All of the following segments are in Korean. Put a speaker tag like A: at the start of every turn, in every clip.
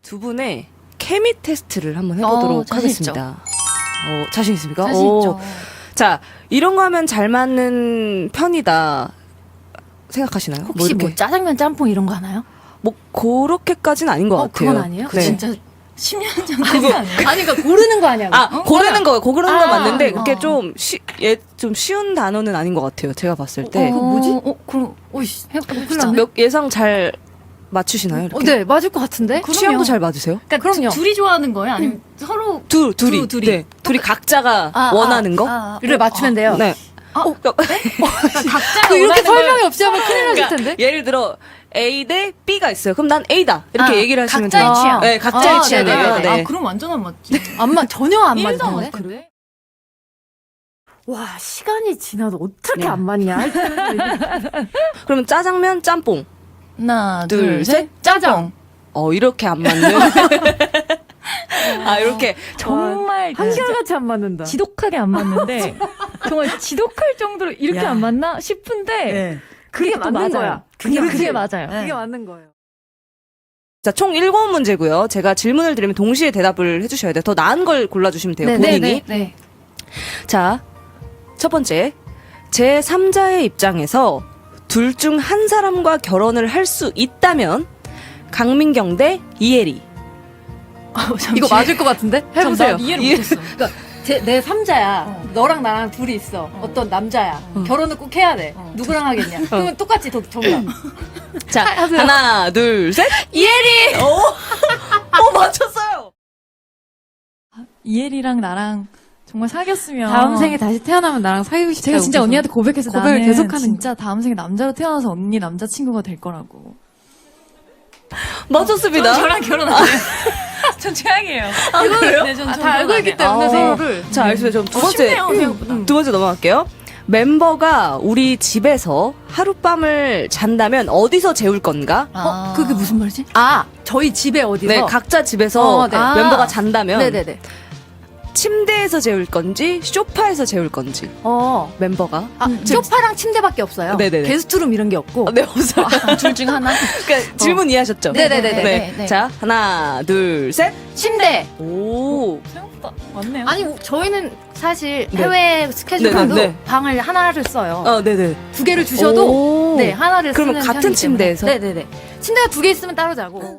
A: 두 분의 케미 테스트를 한번 해보도록
B: 자신 있죠.
A: 하겠습니다. 자신 있습니까?
B: 자신 있죠.
A: 자, 이런 거 하면 잘 맞는 편이다 생각하시나요?
B: 혹시 뭐
A: 이렇게
B: 짜장면 짬뽕 이런 거 하나요?
A: 뭐 그렇게까지는 아닌 것 같아요.
B: 그건 아니에요?
A: 네.
C: 진짜 10년 전까지 아니에요?
B: 아니 그러니까 고르는 거 아니야?
A: 고르는 거 고르는 거 맞는데 그게
B: 어.
A: 좀 쉬운 단어는 아닌 것 같아요. 제가 봤을 때.
B: 그거 뭐지?
C: 그럼, 오이씨.
A: 진짜 예상 잘 맞추시나요? 이렇게?
B: 네, 맞을 것 같은데?
A: 취향도 잘 맞으세요?
C: 그러니까
B: 그럼요.
C: 둘이 좋아하는 거예요? 아니면 서로
A: 둘이.
C: 둘이.
A: 네. 둘이 각자가 원하는 거?
B: 를 맞추면 돼요.
A: 네.
C: 각자가
B: 그 이렇게
C: 원하는
B: 설명이
C: 걸-
B: 없이 하면 큰일 났을
A: 그러니까
B: 텐데?
A: 예를 들어 A 대 B가 있어요. 그럼 난 A다. 이렇게 얘기를 하시면 돼요.
C: 각자의 취향.
A: 네, 각자의
B: 아,
A: 취향이에요.
B: 네네네.
A: 네.
C: 아, 그럼 완전 안 맞지.
B: 전혀 안 맞을
C: 일도 안
B: 텐데?
C: 맞는데?
B: 와, 시간이 지나도 어떻게
A: 네.
B: 안 맞냐?
A: 그러면 짜장면, 짬뽕.
C: 하나,
A: 둘,
C: 둘,
A: 셋.
C: 셋. 짜장.
A: 이렇게 안 맞는. 이렇게.
C: 정말
B: 한결같이 안 맞는다.
D: 지독하게 안 맞는데 정말 지독할 정도로 이렇게
C: 야.
D: 안 맞나 싶은데
B: 그게
D: 또
B: 맞는
D: 맞아요.
B: 거야.
D: 그게 맞아요.
B: 그게 맞는 거예요.
A: 자, 총 7문제고요. 제가 질문을 드리면 동시에 대답을 해주셔야 돼요. 더 나은 걸 골라주시면 돼요. 본인이.
B: 네.
A: 자, 첫 번째. 제 3자의 입장에서 둘 중 한 사람과 결혼을 할 수 있다면 강민경 대 이혜리.
B: 이거 맞을 것 같은데? 해보세요.
C: 난 이해를 못했어.
B: 그러니까 내 3자야. 너랑 나랑 둘이 있어. 어떤 남자야. 결혼을 꼭 해야 돼. 누구랑 하겠냐? 그러면 똑같이 정답.
A: 자,
B: 하세요.
A: 하나, 둘, 셋. 이혜리! 맞췄어요!
D: 이혜리랑 나랑 정말 사귀었으면
E: 다음 생에 다시 태어나면 나랑 사귀고 싶다고
D: 제가 진짜
E: 계속
D: 언니한테 고백해서
E: 고백을
D: 나는
E: 계속하는
D: 진짜 다음 생에 남자로 태어나서 언니 남자친구가 될 거라고.
A: 맞췄습니다.
C: 저랑 결혼 안 해요. 전 최악이에요.
A: 그래요?
C: 네, 전
B: 다 알고 있기 때문에 서로를.
A: 자, 알겠습니다. 두 번째.
C: 쉽네요, 생각보다.
A: 두 번째 넘어갈게요. 멤버가 우리 집에서 하룻밤을 잔다면 어디서 재울 건가?
B: 그게 무슨 말이지? 저희 집에 어디서?
A: 네, 각자 집에서
B: 네.
A: 멤버가 잔다면
B: 네네네.
A: 침대에서 재울 건지 소파에서 재울 건지 멤버가
B: 소파랑 침대밖에 없어요.
A: 네네네.
B: 게스트룸 이런 게 없고.
A: 네, 없어요.
B: 둘 중 하나?
A: 그러니까 질문 이해하셨죠?
B: 네네네네.
A: 자, 하나, 둘, 셋.
B: 침대.
A: 오.
D: 생각보다 맞네요.
B: 아니 저희는 사실
A: 네.
B: 해외 스케줄
A: 네네,
B: 가도
A: 네.
B: 방을 하나를 써요.
A: 네네.
B: 두 개를 주셔도
A: 오.
B: 네 하나를
A: 그러면
B: 쓰는
A: 같은
B: 편이기 때문에.
A: 침대에서?
B: 네네네. 침대가 두 개 있으면 따로 자고.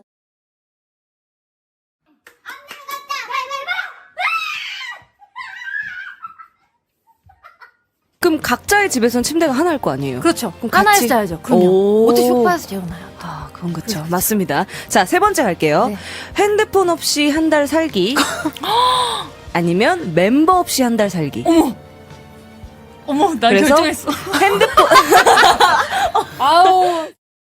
A: 그럼 각자의 집에서는 침대가 하나일 거 아니에요?
B: 그렇죠.
A: 그럼
B: 하나에서
A: 같이-
B: 자야죠. 그럼요.
A: 오.
B: 어떻게 소파에서 재우나요?
A: 그건 그렇죠. 맞습니다. 자, 세 번째 갈게요.
B: 네.
A: 핸드폰 없이 한 달 살기. 아니면 멤버 없이 한 달 살기.
C: 어머, 나
A: 그래서?
C: 결정했어.
A: 핸드폰
B: 아우.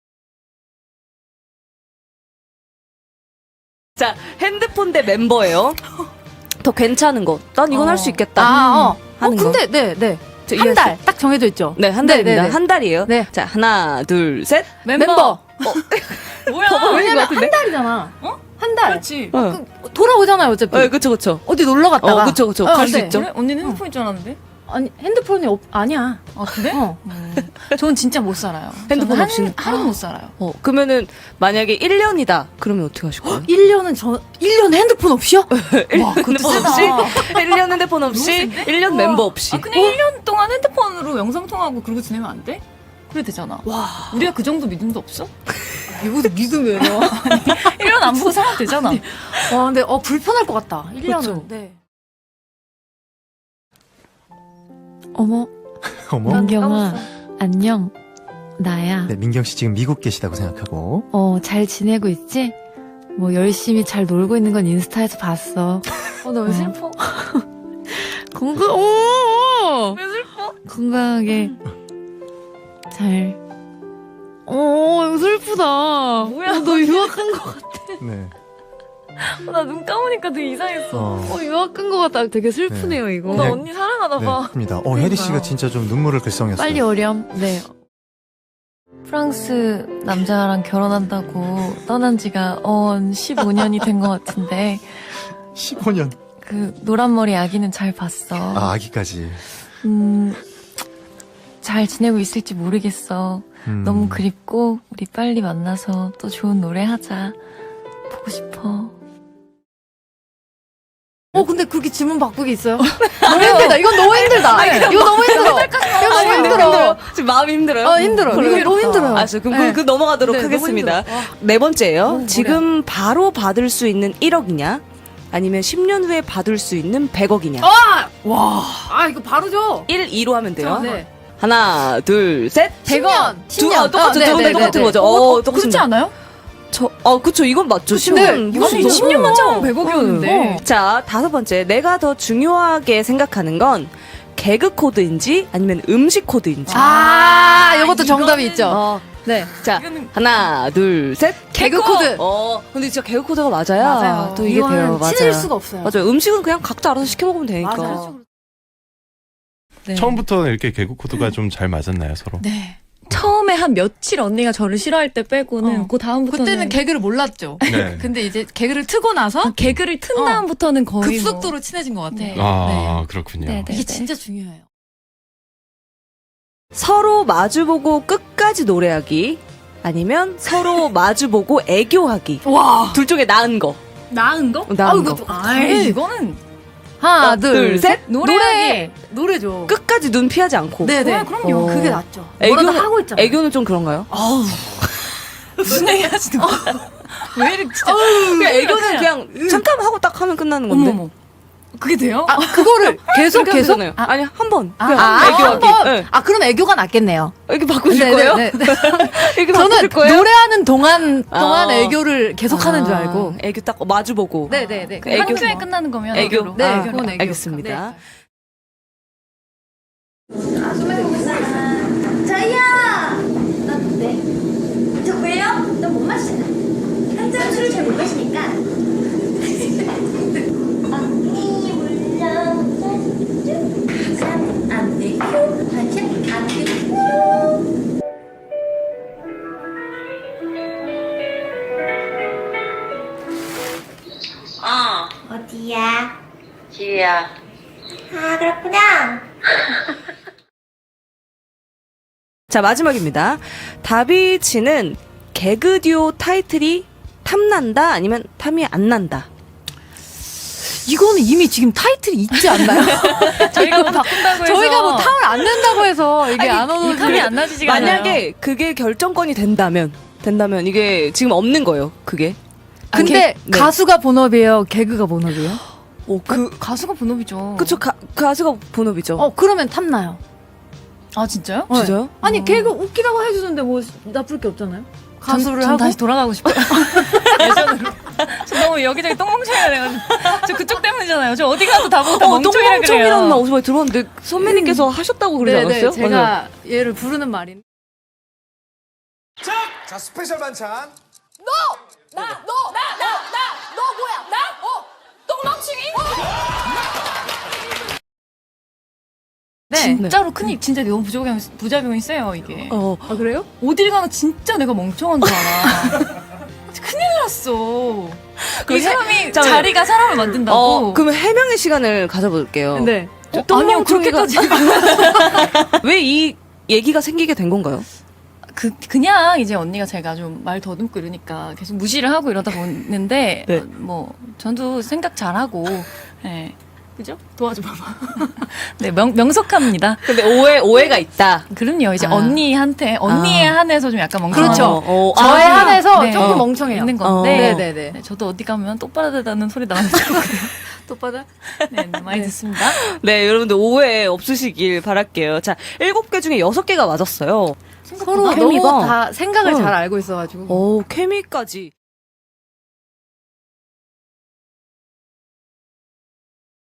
A: 자, 핸드폰 대 멤버예요. 더 괜찮은 거. 난 이건 할 수 있겠다. 하는 거.
B: 근데 네.
A: 저
B: 한 달 딱 정해져 있죠.
A: 네, 한 달입니다.
B: 네네네.
A: 한 달이에요.
B: 네.
A: 자, 하나, 둘, 셋.
B: 멤버.
C: 뭐야?
B: 왜냐면 한 달이잖아. 한 달.
C: 그렇지.
B: 돌아오잖아요, 어차피.
A: 네, 그쵸, 그쵸.
B: 어디 놀러 갔다가.
A: 그쵸. 갈 수
B: 네.
A: 있죠.
C: 그래? 언니는 핸드폰인 줄 알았는데?
B: 아니, 핸드폰이 아니야.
C: 아, 그래?
B: 어.
C: 전 진짜 못 살아요.
A: 핸드폰
C: 저는
A: 없이는?
C: 하루도 못 살아요.
A: 그러면은, 만약에 1년이다. 그러면 어떻게 하실 거예요?
B: 1년 핸드폰 없이요?
C: 와, 그것도
A: 핸드폰
C: 세다.
A: 없이? 1년 핸드폰 없이?
C: 센데?
A: 1년 멤버 없이.
C: 아, 그냥 1년 동안 핸드폰으로 영상통화하고 그러고 지내면 안 돼? 그래 되잖아. 와. 우리가 그 정도 믿음도 없어?
B: 이것도 믿음이에요.
C: 1년 안 보고 살면 되잖아.
B: 와, 근데 불편할 것 같다. 1년은.
A: 그쵸.
B: 네.
E: 어머
F: 어머?
E: 민경아 안녕 나야
F: 네, 민경 씨 지금 미국 계시다고 생각하고.
E: 잘 지내고 있지? 뭐 열심히 잘 놀고 있는 건 인스타에서 봤어
D: 나 왜 슬퍼?
E: 왜 슬퍼? 건강하게 잘 이거 슬프다
D: 뭐야?
E: 너 유학한 거
F: 네.
D: 나 눈 감으니까 되게 이상했어.
E: 유학한 거 같다 되게 슬프네요 이거
D: 나
F: 네.
D: 언니 사랑하나
F: 네,
D: 봐.
F: 합니다. 혜리 씨가 진짜 좀 눈물을 글썽였어요.
E: 빨리 어렴 네
D: 프랑스 남자랑 결혼한다고 떠난 지가 15년이 된 것 같은데
F: 15년.
D: 그 노란머리 아기는 잘 봤어.
F: 아기까지.
D: 잘 지내고 있을지 모르겠어. 너무 그립고 우리 빨리 만나서 또 좋은 노래 하자. 보고 싶어.
E: 근데 그렇게 질문 바꾸기 있어요? 너무 힘들다. 이건 너무 힘들다. 이거 너무 힘들어. 이거 너무 힘들어.
A: 지금 마음이 힘들어요?
E: 힘들어. 이거 너무 힘들어요.
A: 알았어요. 그럼
E: 네.
A: 그 넘어가도록
E: 네, 너무
A: 하겠습니다.
E: 힘들어.
A: 네 번째예요.
E: 너무
A: 지금 바로 받을 수 있는 1억이냐? 아니면 10년 후에 받을 수 있는 100억이냐?
E: 이거 바로 줘.
A: 1, 2로 하면 돼요.
E: 네.
A: 하나, 둘, 셋.
E: 100원.
A: 똑같죠. 두 분 똑같은 거죠.
C: 그렇지
A: 똑같습니다.
C: 않아요?
A: 그쵸. 이건 맞죠.
E: 근데
A: 이건
C: 아니,
A: 너무
C: 10년만 참으면
A: 네.
C: 100억이었는데.
A: 자, 다섯 번째. 내가 더 중요하게 생각하는 건 개그 코드인지 아니면 음식 코드인지.
E: 이것도 정답이 있죠. 네.
A: 자, 하나, 둘, 셋.
E: 개그 코드.
A: 근데 진짜 개그 코드가 맞아야
E: 맞아요.
A: 또 이게 돼요. 맞아요.
E: 친해질 수가 없어요.
A: 맞아요. 음식은 그냥 각자 알아서 시켜 먹으면 되니까.
E: 맞아요.
D: 네.
G: 처음부터 이렇게 개그 코드가 좀 잘 맞았나요, 서로?
C: 네.
D: 처음에 한 며칠 언니가 저를 싫어할 때 빼고는 그 다음부터는
E: 그때는 개그를 몰랐죠.
G: 네.
E: 근데 이제 개그를 트고 나서
D: 개그를 튼 다음부터는 거의
E: 급속도로 친해진 것 같아요.
D: 네.
G: 아, 그렇군요.
D: 네, 네.
E: 이게 진짜 중요해요.
A: 서로 마주보고 끝까지 노래하기 아니면 서로 마주보고 애교하기.
E: 와.
A: 둘 중에 나은 거.
C: 나은 거?
A: 나은 거.
C: 아이, 이거는
E: 하나,
A: 둘, 셋.
E: 노래죠.
A: 끝까지 눈 피하지 않고.
E: 네네.
C: 그럼요.
E: 그게 낫죠.
A: 애교는
E: 뭐라도 하고 있잖아요.
A: 애교는 좀 그런가요?
C: 무슨 얘기 하시는 거야? 왜 이렇게 진짜.
A: 그냥 애교는 그냥 잠깐 하고 딱 하면 끝나는 건데.
C: 어머머. 그게 돼요?
E: 그거를 계속
A: 계속? 아니 한 번. 그냥
E: 한
A: 애교하기.
E: 번.
A: 네.
E: 그럼 애교가 낫겠네요.
A: 애교 바꾸실
E: 네,
A: 거예요?
E: 네, 네.
A: 애교
E: 저는
A: 바꾸실 거예요?
E: 노래하는 동안
A: 아.
E: 애교를 계속하는 줄 알고.
A: 애교 딱 마주보고.
E: 네네네.
A: 애교.
C: 한 큐에 끝나는 거면
A: 애교.
C: 애교로.
E: 네,
A: 아,
E: 그건 애교.
A: 알겠습니다.
H: 자이야! 너 네. 저 왜요? 너 못 마시잖아. 한 잔 술을 잘 못 마시니까. 언니 물렁 짠, 안 되고 반찬 안 되고. 어디야?
I: 지우야.
H: 아, 그렇구나.
A: 자, 마지막입니다. 다비치는 개그 듀오 타이틀이 탐난다 아니면 탐이 안 난다.
E: 이거는 이미 지금 타이틀이 있지 않나요?
C: 저희가 뭐 바꾼다고 해서.
E: 저희가 뭐 탐을 안 낸다고 해서 이게 안 오는
C: 탐이 안 나지지가 않아요.
A: 만약에 그게 결정권이 된다면 이게 지금 없는 거예요. 그게.
E: 근데
A: 네.
E: 가수가 본업이에요? 개그가 본업이에요?
C: 가수가 본업이죠.
A: 그쵸. 가수가 본업이죠.
E: 그러면 탐나요.
C: 아, 진짜요?
A: 진짜요?
E: 아니 개그 웃기다고 해주는데 뭐 나쁠 게 없잖아요. 가수를
C: 전
E: 하고
C: 다시 돌아가고 싶어요. 예전으로. 저 너무 여기저기 똥멍청이라 그래가지고. 저 그쪽 때문이잖아요. 저 어디 가도 다 보고 다 멍청이라 그래요.
A: 똥멍청이라는 말 어디서 많이 들었는데 선배님께서 하셨다고 그러지 않았어요?
E: 제가
A: 맞아요.
E: 얘를 부르는 말인.
F: 자, 스페셜 반찬.
E: 네.
C: 진짜로 진짜 너무 부작용이 세요, 이게.
E: 아 그래요?
C: 어딜 가나 진짜 내가 멍청한 줄 알아. 큰일 났어. 이 사람이
A: 잠깐만요.
C: 자리가 사람을 만든다고.
A: 그러면 해명의 시간을 가져볼게요.
E: 네.
C: 아니요, 그렇게까지.
A: 왜 이 얘기가 생기게 된 건가요?
C: 그냥 이제 언니가 제가 좀 말 더듬고 이러니까 계속 무시를 하고 이러다 보는데,
A: 네.
C: 뭐, 전도 생각 잘하고, 네. 그죠? 도와줘 봐봐. 네, 명석합니다.
A: 근데 오해가 있다.
C: 그럼요. 이제
A: 아.
C: 언니에 한해서 좀 약간 멍청한
E: 그렇죠. 저에 한해서
C: 네.
E: 조금 멍청해요.
C: 있는 건데,
E: 네네네.
C: 네, 저도 어디 가면 똑바르다는 소리 나는 거거든요.
E: 똑바다?
C: 네, 많이 듣습니다.
A: 네, 여러분들 오해 없으시길 바랄게요. 자, 7개 중에 6개가 맞았어요.
E: 서로
A: 케미가.
E: 너무 다 생각을
A: 응.
E: 잘 알고 있어가지고.
A: 오, 케미까지.